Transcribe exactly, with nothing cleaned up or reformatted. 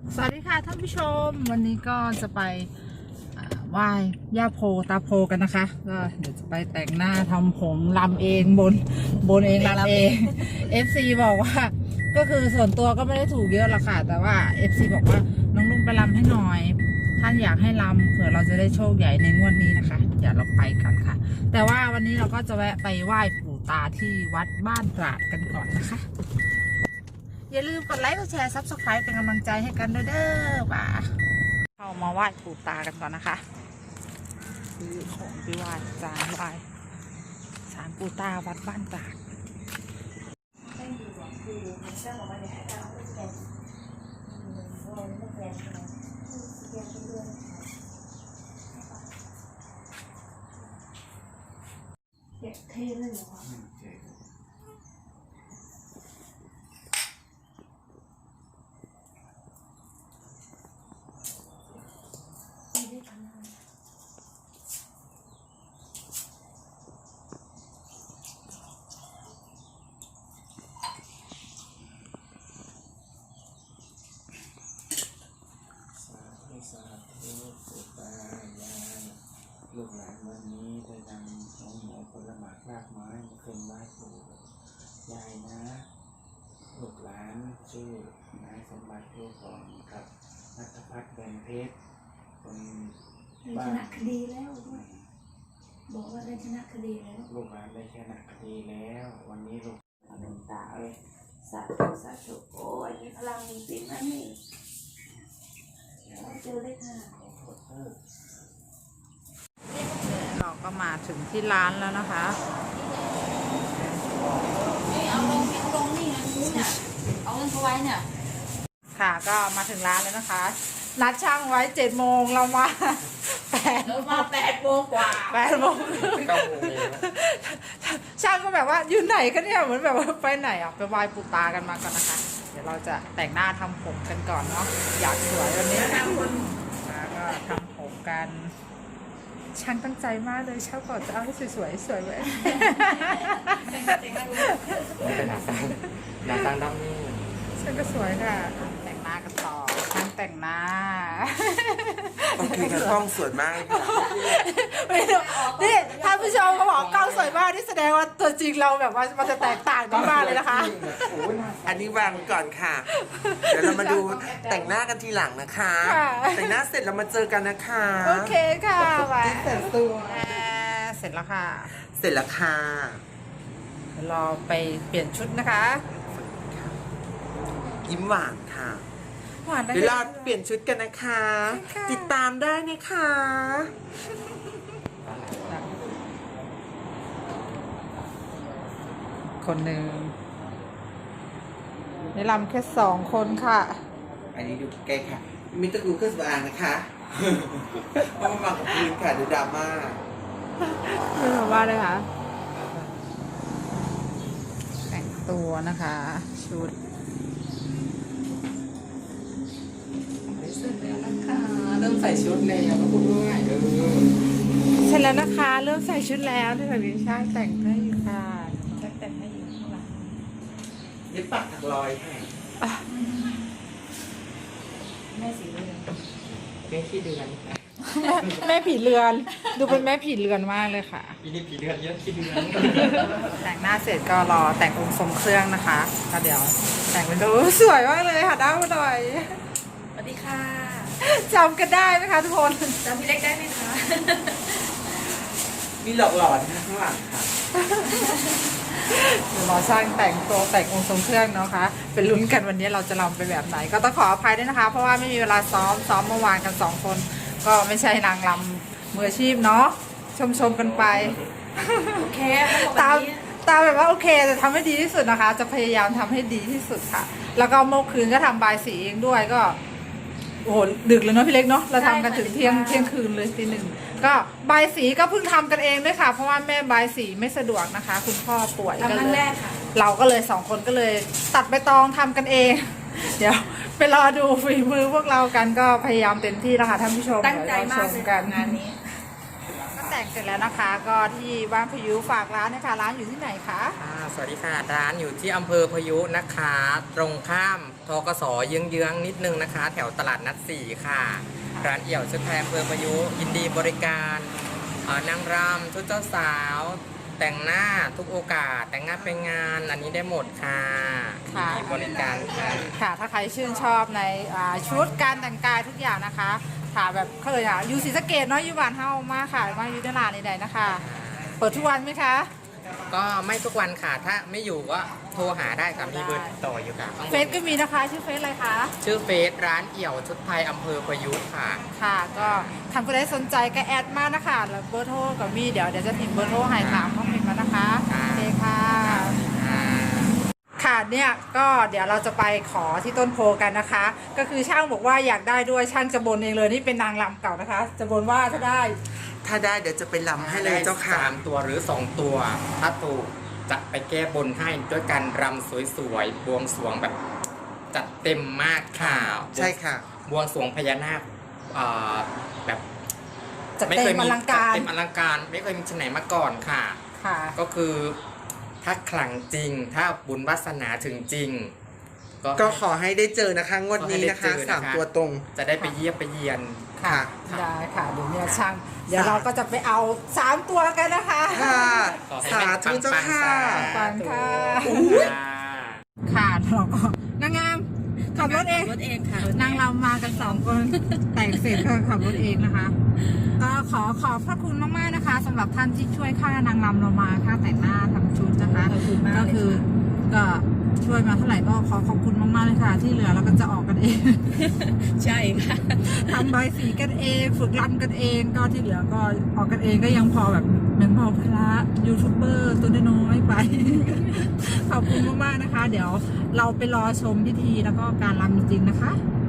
สวัสดีค่ะท่านผู้ชมวันนี้ก็จะไปไหว้ย่าโพตาโพกันนะคะก็เดี๋ยวจะไปแต่งหน้าทำผมรำเองบนบนเองรำเอง เอฟ ซี บอกว่าก็คือส่วนตัวก็ไม่ได้ถูกเยอะหรอกค่ะแต่ว่า เอฟ ซี บอกว่าน้องลุงไปรำให้หน่อยท่านอยากให้รำเผื่อเราจะได้โชคใหญ่ในงวดนี้นะคะเดี๋ยวเราไปกันค่ะแต่ว่าวันนี้เราก็จะแวะไปไหว้ปู่ตาที่วัดบ้านตราดกันก่อนนะคะอย่าลืมกดไลค์กดแชร์ซับสไครป์เป็นกำลังใจให้กันด้วยเด้อป่าเข้ามาไหว้ปู่ตากันก่อนนะคะซื้อของไปไหว้จานไหว้ศาลปู่ตาวัดบ้านตราดเท่เลยเหรอลูกหลานวันนี้ได้นำน้องหมูผลหมากรากไม้มาขึ้นไหว้ปู่ยายนะลูกหลานชื่อนายสมบัติลูกของกับนัทพัฒน์แดงเพชรคนบ้านได้ชนะคดีแล้วด้วยบอกว่าได้ชนะคดีแล้วลูกหลานได้ชนะคดีแล้ววันนี้ลูกหลวงตาเอ้ยสาธุสาธุโอ้ยมีพลังจริงๆนะนี่เจอเลยค่ะขอโทษเถอะเราก็มาถึงที่ร้านแล้วนะคะเอาลงเอาลงนี่ไงนู้นเนี่ยเอาเงินเขาไว้เนี่ยค่ะก็มาถึงร้านแล้วนะคะนัดช่างไว้เจ็ดโมงเรามาแปดเรามาแปดโมงกว่าแปดโมงช่างก็แบบว่าอยู่ไหนกันเนี่ยเหมือนแบบว่าไปไหนอ่ะไปไหว้ปู่ตากันมาก่อนนะคะเดี๋ยวเราจะแต่งหน้าทำผมกันก่อนเนาะอยากสวยวันนี้แล้วก็ทำผมกันช่างตั้งใจมากเลยเช่าก่อนจะเอาให้สวยๆสวยไว้ไม่เป็นหนาตั้งหนาตั้งดำนี่ช่างก็สวยค่ะแต่งหน้ากันต่อช่างแต่งหน้าต้องคือกล้องสวยมากค่ะไม่รู้นี่ท่านผู้ชมเขาบอกกล้องสวยมากนี่แสดงว่าตัวจริงเราแบบว่ามันจะแตกต่างกันมากเลยนะคะอันนี้วางไว้ก่อนค่ะ เดี๋ยวเรามาดูแต่งหน้ากันทีหลังนะคะ แต่งหน้าเสร็จเรามาเจอกันนะคะโอเคค่ะไปเสร็จตัวเสร็จแล้วค่ะเสร็จแล้วค่ะรอไปเปลี่ยนชุดนะคะยิ้มหวานค่ะหวานเดี๋ยวเราเปลี่ยนชุดกันนะคะ ติดตามได้นะคะคนหนึ่งในลำแค่สองคนค่ะอันนี้ดูใกล้ค่ะมิตรกูเครื่องสำอางนะคะเพราะมันมากับพื้นค่ะดูดราม่าไม่รู้ว่าเลยค่ะแต่งตัวนะคะชุดเสร็จแล้วนะคะเริ่มใส่ชุดแล้วก็พูดง่ายเออเสร็จแล้วนะคะเริ่มใส่ชุดแล้วที่แบบนี้ช่างแต่งให้อยู่ค่ะช่างแต่งให้อยู่ข้างหลังเย็บปากถักรอยค่ะแม่สีเรือนแม่ขี้เดือนแม่ผีเรือนดูเป็นแม่ผีเรือนมากเลยค่ะปีนี้ผีเดือนเยอะขี้เดือนแต่งหน้าเสร็จก็รอแต่งองค์ทรงเครื่องนะคะก็เดี๋ยวแต่งเป็นดูสวยมากเลยค่ะด้าหน่อยสวัสดีค่ะจำกันได้ไหมคะทุกคนจำพี่เล็กได้ไหมคะมีหลอกหลอนข้างหลังค่ะเดี๋ยวรอช่างแต่งตัวแต่งองค์ทรงเครื่องเนาะคะเป็นลุ้นกันวันนี้เราจะรำไปแบบไหนก็ต้องขออภัยด้วยนะคะเพราะว่าไม่มีเวลาซ้อมซ้อมเมื่อวานกันสองคนก็ไม่ใช่นางรำมืออาชีพเนาะชมชมกันไปโอเคตามตามแบบว่าโอเคจะทำให้ดีที่สุดนะคะจะพยายามทำให้ดีที่สุดค่ะแล้วก็เมื่อคืนก็ทำบายสีเองด้วยก็โอ้โหดึกเลยเนาะพี่เล็กเนาะเราทำกันถึงเที่ยงเที่ยงคืนเลยตีหนึ่งก็บายสีก็เพิ่งทำกันเองด้วยค่ะเพราะว่าแม่บายสีไม่สะดวกนะคะคุณพ่อป่วยก็เลยเราก็เลยสองคนก็เลยตัดใบตองทำกันเองเดี๋ยวไปรอดูฝีมือพวกเรากันก็พยายามเต็มที่แล้วค่ะท่านผู้ชมตั้งใจมากเลยกันงานนี้แต่งเสร็จแล้วนะคะ ก็ที่บ้านพยุฝากร้านนะคะร้านอยู่ที่ไหนคะอ่าสวัสดีค่ะร้านอยู่ที่อำเภอพยุนะคะ ตรงข้ามทกสเยื้องๆนิดนึงนะคะ แถวตลาดนัดสี่ค่ะ ร้านเอี่ยวชุดไทยอำเภอพยุยินดีบริการอ่านางรำชุดเจ้าสาว แต่งหน้าทุกโอกาส แต่งงานเป็นงานอันนี้ได้หมดค่ะค่ะยินดีบริการค่ะค่ะถ้าใครชื่นชอบในอ่าชุดการแต่งกายทุกอย่างนะคะค่ะแบบเคยอ่ะอยู่ศรีสะเกษเนาะอยู่บ้านเฮามากค่ะมาอยู่ในร้านใดๆนะคะ เปิดทุกวันไหมคะก็ไม่ทุกวันค่ะ ถ้าไม่อยู่ก็โทรหาได้ค่ะมีเบอร์ติดต่ออยู่ค่ะเฟซก็มีนะคะชื่อเฟซอะไรคะชื่อเฟซร้านเอี่ยวชุดไทยอำเภอพยุค่ะค่ะก็ทำก็ได้สนใจก็แอดมานะคะแล้วเบอร์โทรกับมีเดี๋ยวเดี๋ยวจะพิมพ์เบอร์โทรให้ถามข้อมูลมานะคะค่ะโอเคค่ะอ่าค่ะเนี่ยก็เดี๋ยวเราจะไปขอที่ต้นโพกันนะคะ ก็คือช่างบอกว่าอยากได้ด้วยช่างจะบนเองเลยนี่เป็นนางรำเก่านะคะ จะบนว่าถ้าได้ถ้าได้เดี๋ยวจะไปลำให้เลยเจ้าค่ะสามตัวหรือสองตัว ถ้าถูกจะไปแก้บนให้ด้วยการรำสวยๆบวงสรวงแบบจัดเต็มมากค่ะใช่ค่ะบวงสรวงพญานาคอ่าแบบจะเต็มอลังการจัดเต็มอลังการไม่เคยมีที่ไหนมาก่อนค่ะค่ะก็คือถ้าขลังจริง ถ้าบุญวาสนาถึงจริงก็ขอให้ได้เจอนะคะงวดนี้นะคะขอให้ได้เจอนะคะสามตัวตรงจะได้ไปเยี่ยมไปเยียนค่ะค่ะได้ค่ะเดี๋ยวเนี่ยช่าง เดี๋ยวเราก็จะไปเอาสามตัวกันนะคะค่ะขอให้สาธุเจ้าค่ะปังค่ะอุ๊ยค่ะเราก็นางงามขับรถเองรถเองค่ะนางเรามากันสองคน แต่งเสร็จก็ขับรถเองนะคะ ก็ขอขอบพระคุณมากๆนะคะสำหรับท่านที่ช่วยค่านางรำเรามาค่าแต่งหน้าทำชุดนะคะขอบคุณมากก็เลยคือค่ะก็ช่วยมาเท่าไหร่ก็ขอขอบคุณมากๆเลยค่ะ ที่เหลือเราก็จะออกกันเองใช่ค่ะทำใบสีกันเองฝึกรำกันเองก็ที่เหลือก็ออกกันเองก็ยังพอแบบเหมือนพอพระยูทูบเบอร์ตัวน้อยๆไป ขอบคุณมากๆนะคะ เดี๋ยวเราไปรอชมพิธีแล้วก็การรำจริงๆนะคะ